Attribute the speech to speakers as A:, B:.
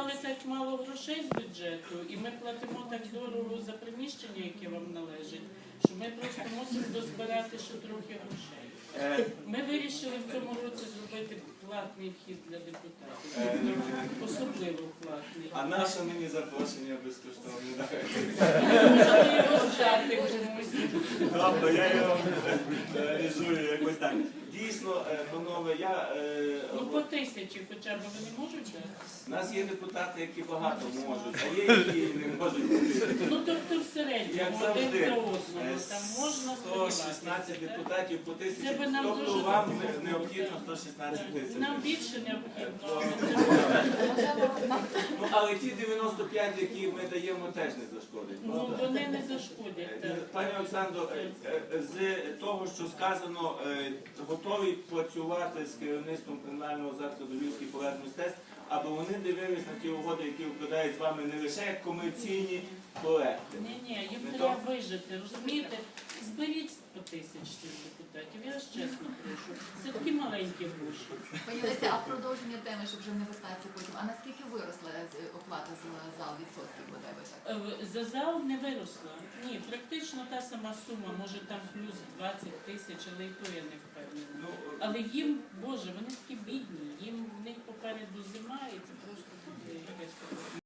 A: дали так мало грошей з бюджету, і ми платимо так дорого за приміщення, яке вам належить, що ми просто мусимо дозбирати ще трохи грошей. Ми вирішили в цьому році зробити платний вхід для депутатів. Особливо платний.
B: А наше мені запрошення безкоштовне.
A: Можна його здати комусь.
B: Добре, я його реалізую якось так. Дійсно, панове, я...
A: Ну по 1000 хоча б вони можуть дати?
B: У нас є депутати, які багато можуть, а є, які не можуть бути.
A: Ну тобто в середньому,
B: Як
A: один
B: завжди,
A: за одного, там можна
B: 116
A: сподіватися.
B: депутатів по 1000,
A: Це би нам
B: тобто
A: дуже
B: вам
A: допомогло.
B: необхідно 116 тисяч.
A: Нам більше необхідно.
B: Ну, але ті 95, які ми даємо, теж не зашкодить.
A: Ну
B: правда?
A: вони не зашкодять. так.
B: Пані Олександро, з того, що сказано, готові працювати з керівництвом кримінального закладу Львівський палац мистецтв, аби вони дивились на ті угоди, які укладають з вами не лише як комерційні проекти.
A: Ні, їм
B: Не
A: треба
B: то?
A: вижити, розумієте? Зберіть по 1000 цих депутатів, я вас чесно прошу. Це такі маленькі гроші.
C: Пані Леся, а в продовження теми, щоб вже не вертатися потім, а наскільки виросла оплата за зал відсотків, бодай би так?
A: За зал не виросла. Ні, практично та сама сума, може там плюс 20 тисяч, але і то я не впевнена.
B: Ну,
A: Але їм, Боже, вони такі бідні, їм в них попереду зима і це просто буде якесь таке.